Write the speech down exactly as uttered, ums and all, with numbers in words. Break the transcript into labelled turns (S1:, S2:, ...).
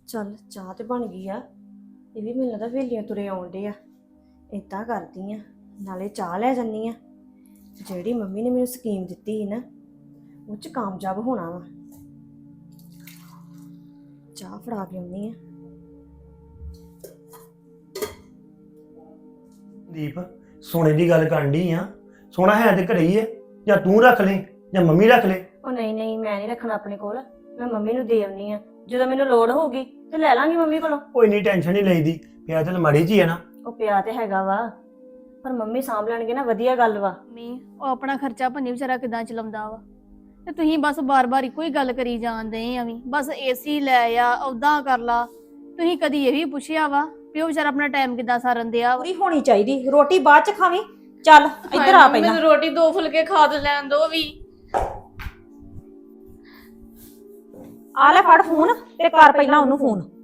S1: ਚੱਲ ਚਾਹ ਤੇ ਬਣ ਗਈ ਆ। ਇਹ ਵੀ ਮੈਨੂੰ ਲੱਗਦਾ ਵੇਲੀਆਂ ਤੁਰੇ ਆਉਂਦੇ ਆ। ਇਦਾਂ ਕਰਦੀ ਆ, ਨਾਲੇ ਚਾਹ ਲੈ ਜੰਨੀ ਆ। ਜਿਹੜੀ ਮੰਮੀ ਨੇ ਮੈਨੂੰ ਸਕੀਮ ਦਿੱਤੀ ਸੀ ਨਾ, ਉਹ ਚ ਕਾਮਯਾਬ ਹੋਣਾ ਵਾ। ਚਾਹ ਫੜਾ ਕੇ ਆਉਣੀ ਆ।
S2: ਦੀਪ ਸੋਨੇ ਦੀ ਗੱਲ ਕਰਨ ਡਈ ਆ। ਸੋਨਾ ਹੈ ਤੇ ਘਰੇ ਹੀ ਹੈ, ਜਾਂ ਤੂੰ ਰੱਖ ਲੈ ਜਾਂ ਮੰਮੀ ਰੱਖ ਲੈ।
S1: ਉਹ ਨਹੀਂ ਨਹੀਂ, ਮੈਂ ਨਹੀਂ ਰੱਖਣਾ ਆਪਣੇ ਕੋਲ। ਮੈਂ ਮੰਮੀ ਨੂੰ ਦੇ ਆਉਣੀ ਆ। ਜਦੋਂ ਮੈਨੂੰ ਲੋੜ ਹੋਊਗੀ ਤੇ ਲੈ ਲਾਂਗੀ ਮੰਮੀ ਕੋਲੋਂ।
S2: ਕੋਈ ਨਹੀਂ, ਟੈਨਸ਼ਨ ਨਹੀਂ ਲਈਦੀ। ਪਿਆ ਤੇ ਅਲਮਾਰੀ 'ਚ ਹੀ ਹੈ ਨਾ।
S1: ਉਹ ਪਿਆ ਤੇ ਹੈਗਾ ਵਾ, ਪਰ ਮੰਮੀ ਸਾਂਭ ਲੈਣਗੇ ਨਾ, ਵਧੀਆ ਗੱਲ ਵਾ।
S3: ਮੰਮੀ ਉਹ ਆਪਣਾ ਖਰਚਾ ਭੰਨੀ ਵਿਚਾਰਾ ਕਿਦਾਂ ਚਲਾਉਂਦਾ ਵਾ, ਤੇ ਤੁਸੀਂ ਬਸ ਬਾਰ-ਬਾਰ ਇੱਕੋ ਹੀ ਗੱਲ ਕਰੀ ਜਾਂਦੇ ਆ ਵੀ ਬਸ ਏਸੀ ਲੈ ਆ, ਉਦਾਂ ਕਰ ਲਾ। ਤੁਸੀਂ ਕਦੀ ਇਹ ਵੀ ਪੁੱਛਿਆ ਵਾ ਵੀ ਉਹ ਵਿਚਾਰਾ ਆਪਣਾ ਟਾਈਮ ਕਿਦਾਂ ਸਾਰਨ ਦਿਆ ਵਾ?
S4: ਪੂਰੀ ਹੋਣੀ ਚਾਹੀਦੀ। ਰੋਟੀ ਬਾਅਦ ਚ ਖਾਵੀਂ। ਚੱਲ ਇੱਧਰ ਆ ਪਹਿਲਾਂ।
S3: ਮੈਨੂੰ ਰੋਟੀ ਦੋ ਫੁਲਕੇ ਖਾ ਤੇ ਲੈਣ ਦੋ ਵੀ।
S4: ਆ ਲੈ ਫੜ ਫੋਨ ਤੇ ਕਰ ਪਹਿਲਾਂ ਉਹਨੂੰ ਫੋਨ।